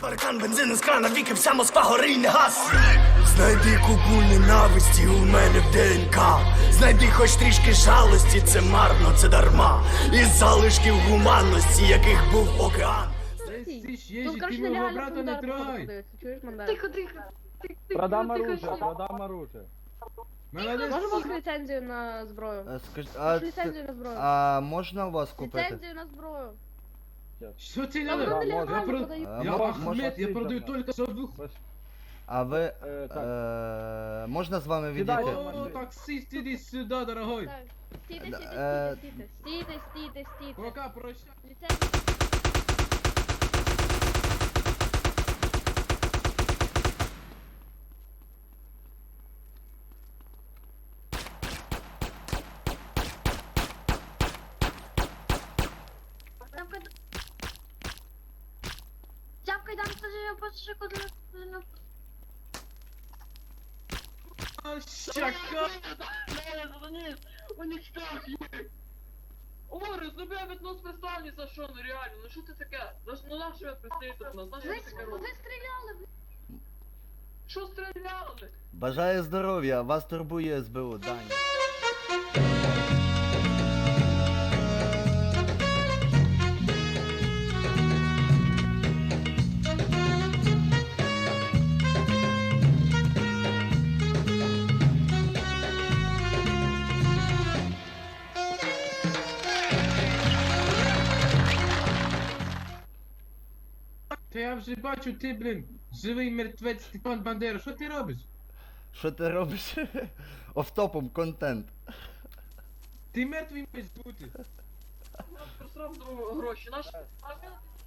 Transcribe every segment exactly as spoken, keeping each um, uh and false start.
Паркан, бензин із крана, віки, вся Москва гори не гасне. Знайди купу ненависті у мене в ДНК. Знайди хоч трішки жалості, це марно, це дарма. Із залишків гуманності, яких був океан. Тут, короче, нереально брата не трогай. Чуєш, Мандар? Тихо, тихо. Продам оружие, продам оружие. Можемо ліцензію на зброю? Е, Скаж... А, Ліцензію на зброю. а можна у вас купити? Ліцензію на зброю. Что тебе Там надо? вони Да, Я, легально про... продають. А, я мо- Ахмед, я можно- продаю только совуху. А ви... Е, так. Е, можна з вами Сідай. відійти? О, таксист, иди сюда, дорогой. Так, стійте, Да, стійте, е, стійте, стійте, стійте, стійте. Пока, прощай. Ліцензію. Тяпкай там скажи, я почти куди. А, Щака. Орес, ну бля, від нас пристали за що, ну реально, ну що це таке? Ну ну на що я пристаю тут нас, на що Ви, ви таке ви робите? стріляли, блядь. Що стріляли? Бажаю здоров'я, вас турбує СБУ, Даня. Та я вже бачу, ти, блін, живий мертвець Степан Бандера, що ти робиш? Що ти робиш? Офтопом контент. Ти мертвий маєш бути. Ну, просрав другу гроші, наш... А він...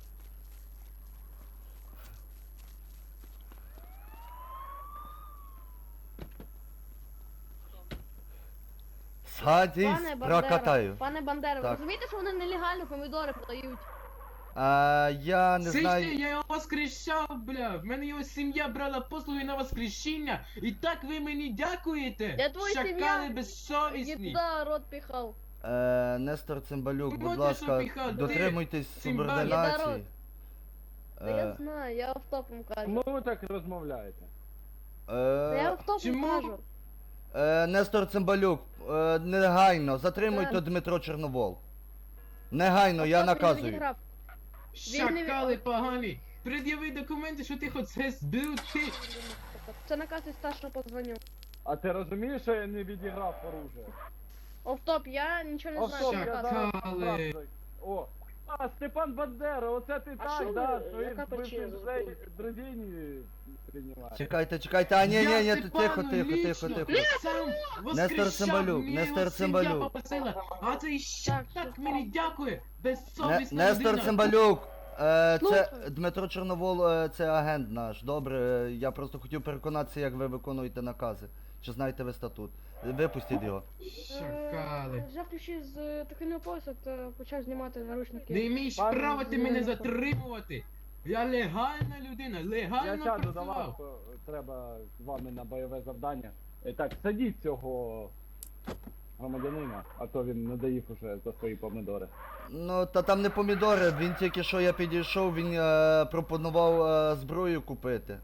Садись, Пане Бандера, прокатаю. пане Бандера, ви Так. розумієте, що вони нелегально помідори продають? А, я не Слышите, знаю... я його воскрешав, бля. В мене його сім'я брала послуги на воскрешіння. І так ви мені дякуєте? Я твоя Шакали сім'я. Я безсовісні. туди рот піхав. Е, Нестор Цимбалюк, Ну, будь ти ласка, що піхав, ти? дотримуйтесь Цимбалюк. субординації. Та я Е, знаю, я автопом кажу. Чому ви так розмовляєте? Та я е, автопом чому? кажу. е, Нестор Цимбалюк, е, негайно, затримуйте Так. Дмитро Чорновол. Негайно, я Автоп він наказую. відіграв. Шакали погані. Пред'яви документи, що ти хоч це збив ти. Це наказ із старшого позвоню. А ти розумієш, що я не відіграв оружие? Офтоп, я нічого не знаю. Офтоп, це я наказ. зараз Шакали. справді. О, а, Степан Бандера, оце ти А що так, ви- да, яка своїх причина? бивших друзей приймаєш. Чекайте, чекайте, а ні, ні, ні, Я тихо, Степану тихо, тихо, лично тихо. сам Нестор воскрешав, Цимбалюк, мені Нестор його сім'я Цимбалюк. попросила. А цей щ Так, так все. мені дякує. Не, Безсовісна Нестор людина. Цимбалюк, е, це Слухаю. Дмитро Чорновол, е, це агент наш. Добре, е, я просто хотів переконатися, як ви виконуєте накази. Чи знаєте ви статут? Випустіть його. Шакали. Е, Взявши з е, тихого пояса, то почав знімати наручники. Не маєш Пане права ти мене Зеленко. затримувати. Я легальна людина, Я легально сяду до вас, працював. то треба з вами на бойове завдання. Е, Так, садіть цього громадянина, а то він надоїв уже за свої помидори. Ну, та там не помідори, він тільки що я підійшов, він е, пропонував е, зброю купити.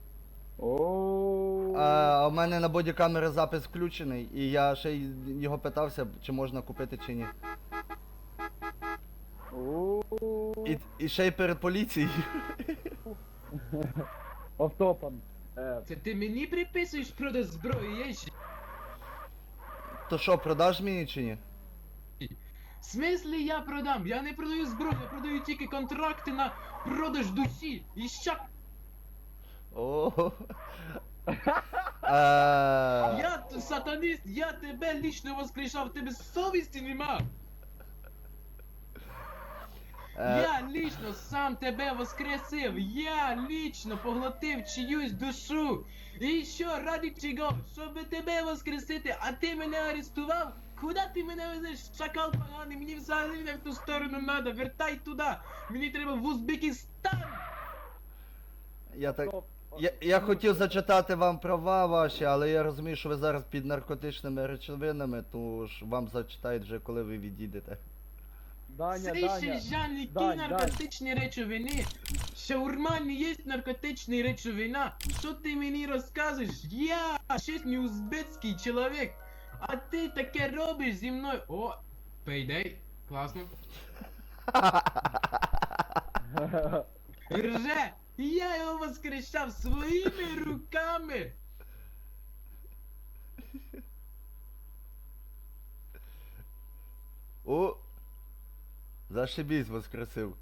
О, А у мене на бодікамери запис включений, і я ще й його питався, чи можна купити чи ні. І, і ще й перед поліцією. Офтопом. Е, Це ти мені приписуєш продаж зброї, є ще? То що, продаш мені чи ні? В смислі я продам? Я не продаю зброю, я продаю тільки контракти на продаж душі. І щак. О. Е, Я т- сатаніст, я тебе лічно воскрешав, тебе совісті нема. е, Я лічно сам тебе воскресив, я лічно поглотив чиюсь душу. І що, ради чого? Щоб тебе воскресити, а ти мене арестував? Куди ти мене везеш, шакал поганий? Мені взагалі не в ту сторону надо, вертай туди. Мені треба в Узбекистан. Я так. стоп. Я, я хотів зачитати вам права ваші, але я розумію, що ви зараз під наркотичними речовинами, тому ж вам зачитають вже коли ви відійдете. Даня, Це Даня. ще Жан, які Дань, наркотичні речовини? Шаурма не є наркотична речовина. Що ти мені розказуєш? Я чесний узбецький чоловік. А ти таке робиш зі мною. О, пейдей. Класно. Рже, я його воскрешав своїми руками. О! Зашибісь, воскресив.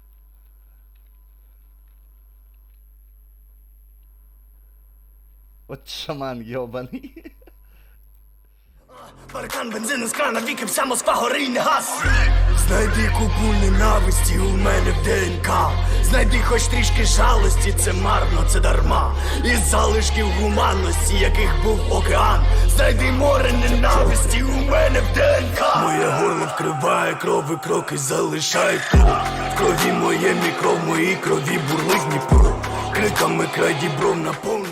От шаман йобаний. Паркан, бензин з крана, віки, вся Москва гори й не гас. Знайди купу ненависті у мене в ДНК. Знайди хоч трішки жалості, це марно, це дарма. Із залишків гуманності, яких був океан. Знайди море ненависті у мене в ДНК. Моє горло вкриває кров, і кроки залишають кров. В крові моє мікро, в моїй крові бурлить Дніпро. Криками край дібров наповнений.